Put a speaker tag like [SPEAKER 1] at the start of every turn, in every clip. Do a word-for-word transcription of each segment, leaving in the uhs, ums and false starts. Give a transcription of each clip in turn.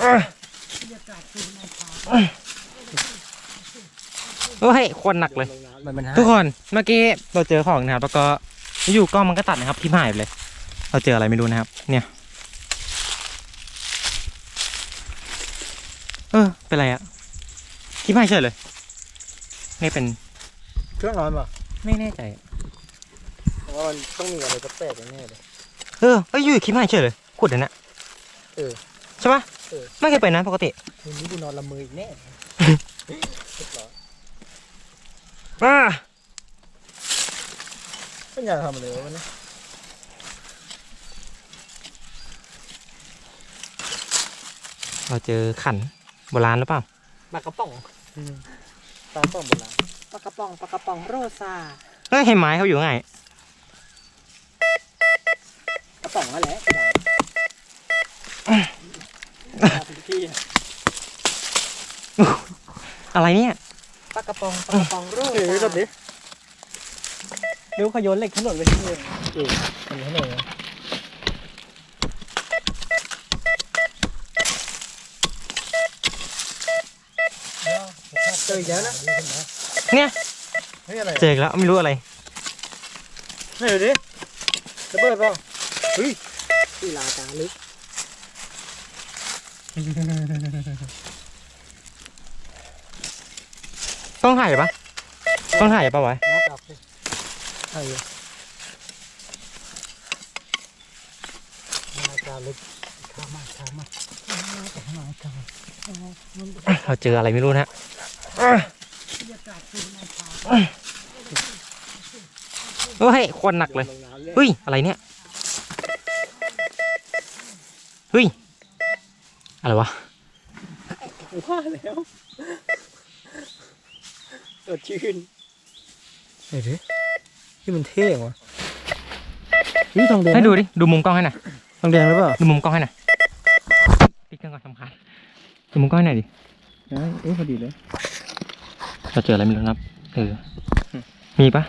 [SPEAKER 1] โอ้ยคนหนักเลยทุกคนเมื่อกี้เราเจอของนะครับแล้วก็อยู่กล้องมันก็ตัดนะครับที่หายไปเลยเราเจออะไรไม่รู้นะครับเนี่ยเออเป็นไรอะที่หายเฉยเลยไม่เป็น
[SPEAKER 2] เครื่องร้อนป่ะ
[SPEAKER 1] ไม่แน่ใจ
[SPEAKER 2] เพราะว่ามันต้องมีอะไรแปลกๆแน่เลย
[SPEAKER 1] เออเอ้ยอยู่คิดหายเฉยเลยขุดเลยนะ
[SPEAKER 2] เออ
[SPEAKER 1] ใช่ปะเออไม่เคยเป็นนะปกติ
[SPEAKER 2] คืนนี้กูนอนละมืออีกแน่
[SPEAKER 1] อ่า
[SPEAKER 2] ไม่อยากทำอะไรวะเนี่ย
[SPEAKER 1] เราเจอขันโบราณหรือเปล่า
[SPEAKER 2] ปลากระป๋องปลากระป๋องโบราณปลากระป๋องปลากระป๋องโรซา
[SPEAKER 1] เฮ้ยให้ไม้เขาอยู่ไง
[SPEAKER 2] กระป๋องนั่นแหละ
[SPEAKER 1] อะไรเนี่ย
[SPEAKER 2] ปลากระป๋องปลากระป๋องโรซาเฮ้ยรถดิเดี๋ยวขยนเหล็กถนนไปที่เองเออถนนถนนเจออีกแล้วนะ
[SPEAKER 1] เนี่ยเจอแล้วไม่รู้อะไร
[SPEAKER 2] ไม่ดูดิระเบิดเปล่าเฮ้ยที่ลาตาลึก
[SPEAKER 1] ต้องถ่ายปะต้องถ่ายปะวะ
[SPEAKER 2] นับดอกสิถ่ายลาตาลึกข้ามากข้ามาก
[SPEAKER 1] เราเจออะไรไม่รู้นะโอ้ยคนหนักเลยเฮ้ยอะไรเนี่ยเฮ้ยอะไรวะ
[SPEAKER 2] ว่าแล้วสดชื่นเฮ้ยที่มันเท่วะนี่ทองแดง
[SPEAKER 1] ให้ดูดิดูมุมกล้องให้หน่อย
[SPEAKER 2] ทองแดงหรือเปล่า
[SPEAKER 1] ดูมุมกล้องให้หน่อยปิดเครื่องก่อนสำคัญดูมุมกล้องให้หน่อยดิ
[SPEAKER 2] เอ๊ะพอดีเลย
[SPEAKER 1] เราเจออะไรไม่รู้ครับเออมีปะ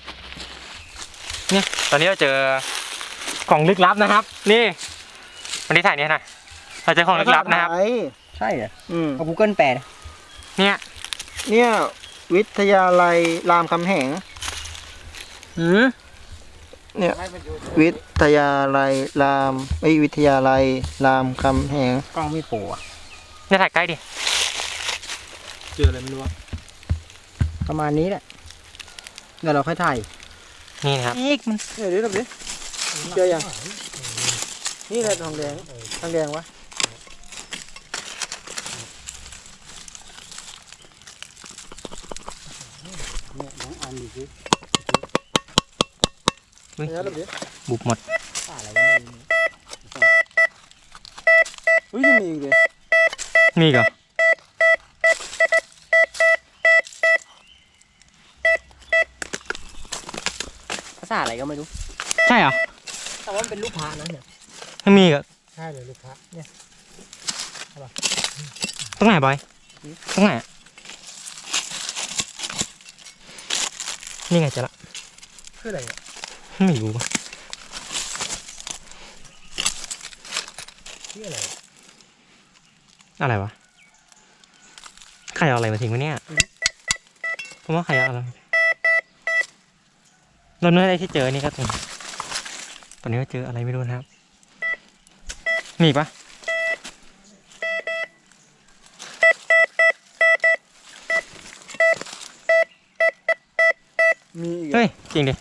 [SPEAKER 1] เนี่ยตอนนี้เราเจอของลึกลับนะครับนี่วันนี้ถ่ายเนี่ยนะเราเจอของลึกลับนะครับ
[SPEAKER 2] ใช่เหรออืมเอา Google แปล
[SPEAKER 1] เนี่ย
[SPEAKER 2] เนี่ยวิทยาลัยรามคำแหง
[SPEAKER 1] อืม
[SPEAKER 2] เนี่ยวิทยาลัยรามไอวิทยาลัยรามคำแหง
[SPEAKER 1] กล้องไม่โผล่อะจะถ่ายใกล้ดิ
[SPEAKER 2] เจออะไรไม่รู้ประมาณนี้แหละเดี๋ยวเราค่อยถ่าย
[SPEAKER 1] นี่นะครับ
[SPEAKER 2] อีกมันเดี๋ยวดูดิเจอยังนี่แหละทองแดงทองแดงวะเนี่ยน้องอันดูสิ
[SPEAKER 1] บุบหมด
[SPEAKER 2] เฮ้ยยังมีอีกเลย
[SPEAKER 1] มีเหรอ
[SPEAKER 2] ภาษาอะไรก็ไม่รู้
[SPEAKER 1] ใช่เหรอ
[SPEAKER 2] แต่ว่ามันเป็นลูกพระนะเนี่ย
[SPEAKER 1] ไม่มีเหรอ
[SPEAKER 2] ใช่เลยลูกพระเนี่ย
[SPEAKER 1] ตรงไหนบอยตรงไหนนี่ไงเจอละ
[SPEAKER 2] คืออะไรอ่ะ
[SPEAKER 1] ไม่รู้
[SPEAKER 2] นี่อะไร
[SPEAKER 1] อะไรวะใครเอาอะไรมาทิ้งวะเนี่ยผมว่าใครเอาอะไรเราเนื้ออะไรที่เจอนี่ก็ตรงตอนนี้ก็เจออะไรไม่รู้นะครับมีปะ
[SPEAKER 2] มีอีก
[SPEAKER 1] เฮ้ยจริงดิ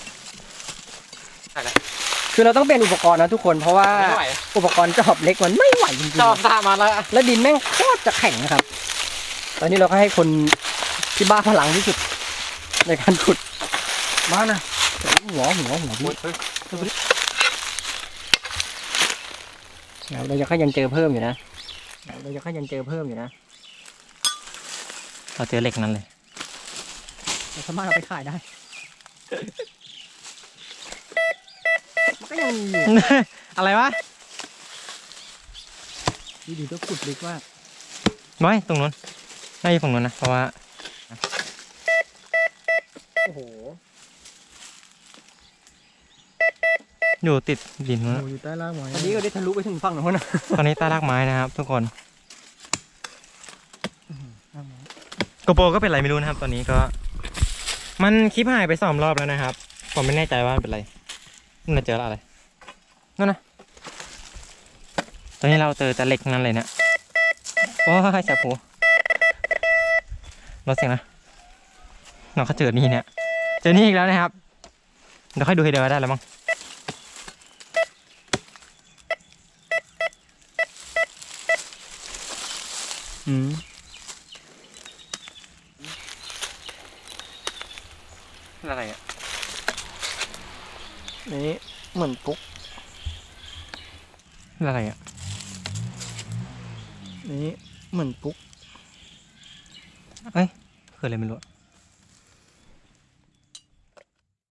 [SPEAKER 2] คือเราต้องเปลี่ยนอุปกรณ์นะทุกคนเพราะว่าอุปกรณ์จอบเล็กมันไม่ไหวจริงๆ
[SPEAKER 1] จอบตามมาแล้ว
[SPEAKER 2] แล้วดินแม่งโคตรจะแข็งนะครับตอนนี้เราก็ให้คนที่บ้าพลังที่สุดในการขุดมานะหัวหัวหัวพี่เราจะก็ยังเจอเพิ่มอยู่นะเราจะก็ยังเจอเพิ่มอยู่นะ
[SPEAKER 1] เราเจอเหล็กนั้นเลย
[SPEAKER 2] เราสามารถเอาไปขายได้มันก็ยังมีอยู่
[SPEAKER 1] อะไรวะ
[SPEAKER 2] ดีดีต้องขุดลึกมาก
[SPEAKER 1] น้อยตรงนู้นน่าจะฝั่งนู้นนะเพราะว่า
[SPEAKER 2] โอ้โห
[SPEAKER 1] อยู่ติดดินนู้น
[SPEAKER 2] อยู่ใต้รากไม้ตอนนี้ก็ได้ทะลุไปถึงฝั่งนู้นนะ
[SPEAKER 1] ตอนนี้ใต้รากไม้นะครับทุกคนโกโปรก็เป็นไรไม่รู้นะครับตอนนี้ก็ มันคลิปหายไปสองรอบแล้วนะครับผมไม่แน่ใจว่ามันเป็นไรมันเจออะไรนั่นนะตอนนี้เราเจอแต่เหล็กนั่นเลยเนี่ยว้ายแสบหูรถเสียงนะเราก็เจอนี่เนี่ยเจอนี่อีกแล้วนะครับเดี๋ยวค่อยดูให้เดียวได้แล้วมั้งอืมอะไรอ่ะ
[SPEAKER 2] นี่เหมือนปุ๊ก
[SPEAKER 1] อะไรอ่ะ
[SPEAKER 2] นี่เหมือนปุ๊ก
[SPEAKER 1] เอ้ยคืออะไรไม่รู้